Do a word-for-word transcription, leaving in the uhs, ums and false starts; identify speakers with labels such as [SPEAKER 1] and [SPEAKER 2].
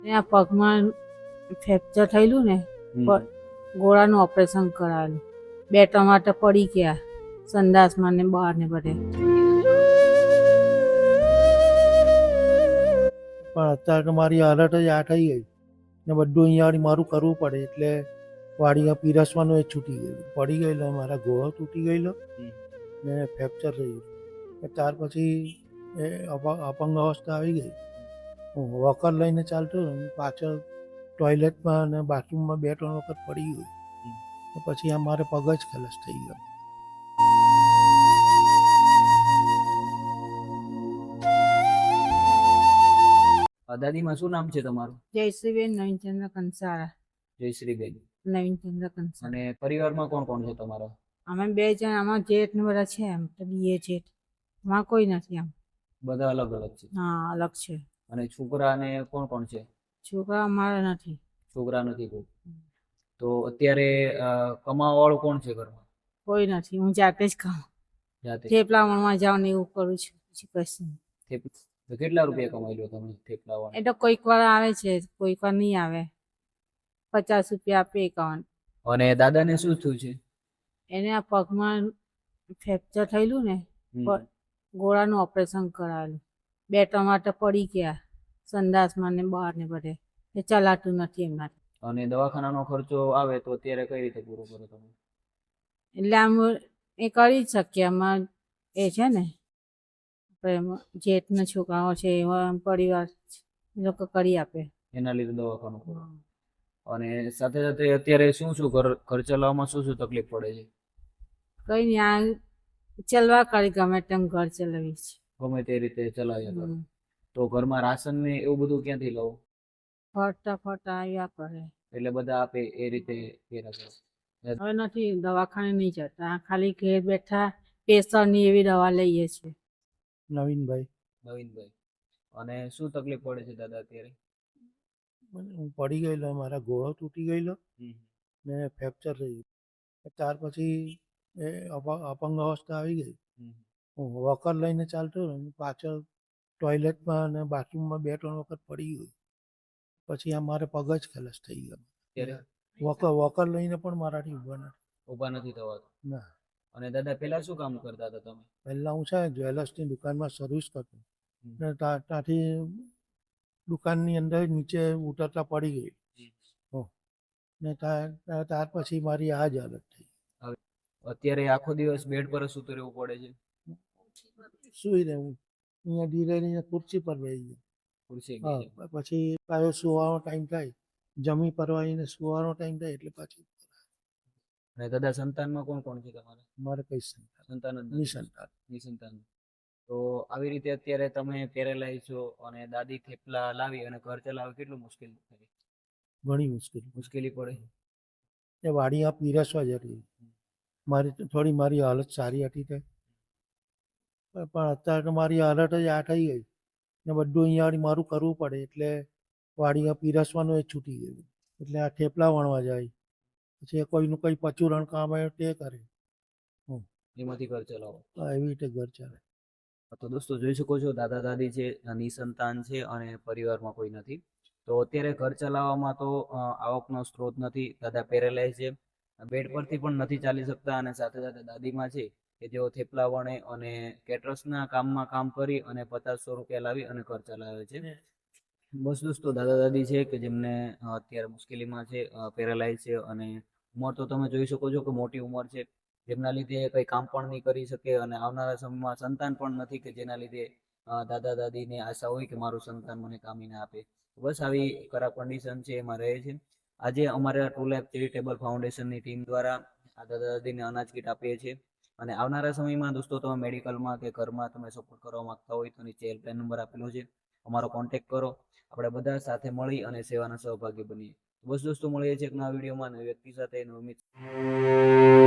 [SPEAKER 1] આ પગમાં ફ્રેક્ચર થયેલું ને પ- ગોળાનું ઓપરેશન કરાવેલું. બે ટમાટર પડી ગયા સંડાસમાં ને બહાર ને બધે.
[SPEAKER 2] પણ અત્યારે તો મારી હાલત જ આ થઈ ગઈ ને બધું અહીંયા વળી મારું કરવું પડે એટલે વાડીમાં પીરસવાનું એ છૂટી ગયું, પડી ગયેલો, મારા ગોળો તૂટી ગયેલો ને ફ્રેક્ચર થઈ ગયું. ને ત્યાર પછી એ અપ- અપંગ અવસ્થા આવી ગઈ. હું વોકર લઈને ચાલતો હતો ને પાછળ ટોયલેટમાં અને બાથરૂમમાં બે ત્રણ વખત પડી ગયું. ને પછી આ મારે પગ જ ખલાસ થઈ ગયો.
[SPEAKER 3] અ, દાદીમાં શું નામ છે તમારું?
[SPEAKER 1] જયશ્રીબેન નવીનચંદ્ર કંસારા.
[SPEAKER 3] જયશ્રીબેન.
[SPEAKER 1] નવીનચંદ્ર કંસારા.
[SPEAKER 3] અને પરિવારમાં કોણ કોણ છે તમારા?
[SPEAKER 1] અમે બે જણ, આમાં જેઠ ને બધા છે, એમ તો બીએ જેઠ, આમાં કોઈ નથી. આમ
[SPEAKER 3] બધા અલગ અલગ છે.
[SPEAKER 1] હા, અલગ છે.
[SPEAKER 3] અને છોકરા ને કોણ કોણ છે?
[SPEAKER 1] છોકરા અમારા નથી.
[SPEAKER 3] છોકરા નથી કોઈ. તો અત્યારે અ, કમાવા વાળું કોણ છે ઘરમાં?
[SPEAKER 1] કોઈ નથી. હું જાતે જ ખાઉં.
[SPEAKER 3] જાતે.
[SPEAKER 1] થેપલા વણવા જાઉં ને એવું કરું છું, પછી કશું નહીં.
[SPEAKER 3] થેપ- તો કેટલા રૂપિયા કમાઈ લો તમે થેપલા વાળા?
[SPEAKER 1] એ તો કોઈક વાર આવે છે, કોઈક વાર નહીં આવે. પચાસ રૂપિયા આપે એકાવન.
[SPEAKER 3] અને દાદાને શું થયું છે?
[SPEAKER 1] એને આ પગમાં ફ્રેક્ચર થયેલું ને
[SPEAKER 3] હમ.
[SPEAKER 1] પ- ગોળાનું ઓપરેશન કરાવેલું. બે ટમાટર પડી ગયા સંડાસમાં ને બહાર ને બધે. એ ચલાતું નથી એમનાથી.
[SPEAKER 3] અને દવાખાનાનો ખર્ચો આવે તો અત્યારે કઈ રીતે પૂરો કરો તમે?
[SPEAKER 1] એટલે આમ એ કરી જ શકીએ. આમાં એ છે ને આપણે એમાં જેઠના છોકરાઓ છે, એવા આમ પરિવાર એ લોકો કરી આપે.
[SPEAKER 3] એના લીધે દવાખાનું કરો. અને સાથે સાથે અત્યારે શું શું ઘર ઘર ચલાવવામાં શું શું તકલીફ પડે છે?
[SPEAKER 1] કઈ નહીં, આ ચલવા કરી ગમે તેમ ઘર ચલાવી છે.
[SPEAKER 3] ગમે તે રીતે ચલાવ્યા કરો.
[SPEAKER 1] હમ.
[SPEAKER 3] તો ઘરમાં રાશન ને એવું બધું ક્યાંથી લો?
[SPEAKER 1] ફરતા ફરતા આવ્યા કરે.
[SPEAKER 3] એટલે બધા આપે એ રીતે કર્યા કરો.
[SPEAKER 1] હવે નથી, દવાખાને નહીં જતા, ખાલી ઘેર બેઠા પ્રેશરની એવી દવા લઈએ છીએ.
[SPEAKER 2] નવીનભાઈ,
[SPEAKER 3] નવીનભાઈ. અને શું તકલીફ પડે છે દાદા અત્યારે?
[SPEAKER 2] મને હું પડી ગયેલો, મારા ગોળો તૂટી ગયેલો ને ફ્રેક્ચર થઈ ગયું. ત્યાર પછી એ અપ- અપંગ અવસ્થા આવી ગઈ. હું વોકર લઈને ચાલતો હતો ને પાછળ ટોયલેટમાં અને બાથરૂમમાં બે ત્રણ વખત પડી ગયું. પછી આ મારે પગ જ ખલાસ થઈ ગયો.
[SPEAKER 3] ત્યારે
[SPEAKER 2] વોકર વોકર લઈને પણ મારાથી ઊભા નથી.
[SPEAKER 3] ઊભા નથી થવાતું.
[SPEAKER 2] ના,
[SPEAKER 3] અને દાદા પેલા શું કામ કરતા હતા તમે?
[SPEAKER 2] પહેલાં હું છે ને જ્વેલર્સની દુકાનમાં સર્વિસ કરતો
[SPEAKER 3] હમ.
[SPEAKER 2] ને ત્યાં ત્યાંથી દુકાનની અંદર નીચે ઉતરતા પડી ગઈ. હો. ને ત્યાં ત્યાં- ત્યાર પછી મારી આ જ હાલત થઈ.
[SPEAKER 3] હવે અત્યારે આખો દિવસ બેડ પર જ સૂતું રહેવું પડે છે.
[SPEAKER 2] સુઈ રહેવું, અહીંયા ધીરે ધીરે ખુરશી પર બેસી ગયો.
[SPEAKER 3] ખુરશી
[SPEAKER 2] હા,
[SPEAKER 3] ગઈ છે.
[SPEAKER 2] પછી પાછો સુવાનો ટાઈમ થાય, જમી પરવાઈને સુવાનો ટાઈમ થાય એટલે પાછી
[SPEAKER 3] અને દાદા સંતાનમાં કોણ કોણ છે તમારે?
[SPEAKER 2] મારે કઈ સંતાન
[SPEAKER 3] સંતાન જ નથી.
[SPEAKER 2] નિસંતાન.
[SPEAKER 3] નિસંતાન. તો આવી રીતે અત્યારે તમે પેરેલાઇઝ છો અને દાદી થેપલા લાવી અને ઘર ચલાવે કેટલું મુશ્કેલ થાય?
[SPEAKER 2] ઘણી મુશ્કેલી.
[SPEAKER 3] મુશ્કેલી પડે.
[SPEAKER 2] એ વાડીમાં પીરસવા જતી મારી તો થોડી મારી હાલત સારી હતી તે, પણ પણ અત્યારે તો મારી હાલત જ આ થઈ ગઈ ને બધું અહીંયા વળી મારું કરવું પડે એટલે વાડીમાં પીરસવાનું એ છૂટી ગયું. એટલે આ થેપલા વણવા જાય, પછી એ કોઈનું કંઈ પચુરણ કામ આવે તે કરે.
[SPEAKER 3] એમાંથી ઘર ચલાવો.
[SPEAKER 2] તો એવી રીતે ઘર ચાલે.
[SPEAKER 3] તો દોસ્તો જોઈ શકો છો દાદા દાદી છે, નિસંતાન છે અને પરિવારમાં કોઈ નથી. તો અત્યારે ઘર ચલાવવામાં તો અ, આવકનો સ્ત્રોત નથી. દાદા પેરેલાઇઝ છે, બેડ પરથી પણ નથી ચાલી શકતા. અને સાથે સાથે દાદીમાં છે કે જેઓ થેપલા વણે અને કેટરસના કામમાં કામ કરી અને પચાસસો રૂપિયા લાવી અને ઘર ચલાવે છે. બસ દોસ્તો દાદા દાદી છે કે જેમને અ, અત્યારે મુશ્કેલીમાં છે, પેરેલાઇઝ છે અને ઉંમર તો તમે જોઈ શકો છો કે મોટી ઉંમર છે, જેમના લીધે કંઈ કામ પણ નહીં કરી શકે. અને આવનારા સમયમાં સંતાન પણ નથી કે જેના લીધે અ, દાદા દાદીને આશા હોય કે મારું સંતાન મને કામીને આપે. બસ આવી ખરાબ કન્ડિશન છે એમાં રહે છે. આજે અમારા ટ્રુ લાઈફ ચેરિટેબલ ફાઉન્ડેશનની ટીમ દ્વારા આ દાદા દાદીને અનાજ કીટ આપીએ છીએ. અને આવનારા સમયમાં દોસ્તો તમે મેડિકલમાં કે ઘરમાં તમે સપોર્ટ કરવા માંગતા હોય તો નીચે હેલ્પલાઇન નંબર આપેલો છે, અમારો કોન્ટેક્ટ કરો. આપણે બધા સાથે મળી અને સેવાના સહભાગી બનીએ. બસ દોસ્તો મળીએ છીએ એક નવા વિડીયોમાં નવી વ્યક્તિ સાથે નવી મિત્ર.